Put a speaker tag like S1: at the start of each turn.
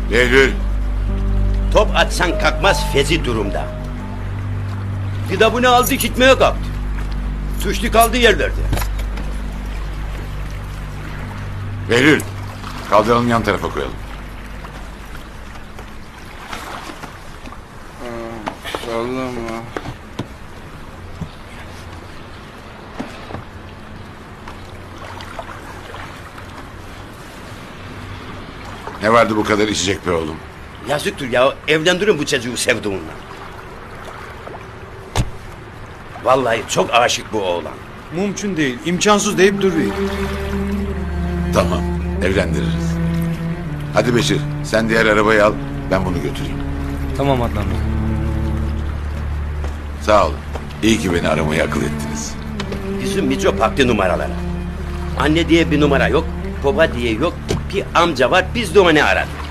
S1: Behlül.
S2: Top atsan kalkmaz fezi durumda. Kitabını aldı gitmeye kalktı. Suçlu kaldığı yerlerde.
S1: Behlül. Kaldıralım yan tarafa koyalım.
S3: Sallama.
S1: Ne vardı bu kadar içecek be oğlum?
S2: Yazıktır ya, evlendirin bu çocuğu sevduğunla. Vallahi çok aşık bu oğlan.
S4: Mümkün değil, imkansız deyip duruyor.
S1: Tamam, evlendiririz. Hadi Beşir, sen diğer arabayı al, ben bunu götüreyim.
S4: Tamam Adnan Bey.
S1: Sağ olun. İyi ki beni aramayı akıl ettiniz.
S2: Bizim Mico baktı numaralara. Anne diye bir numara yok, baba diye yok, bir amca var, biz de onu aradık.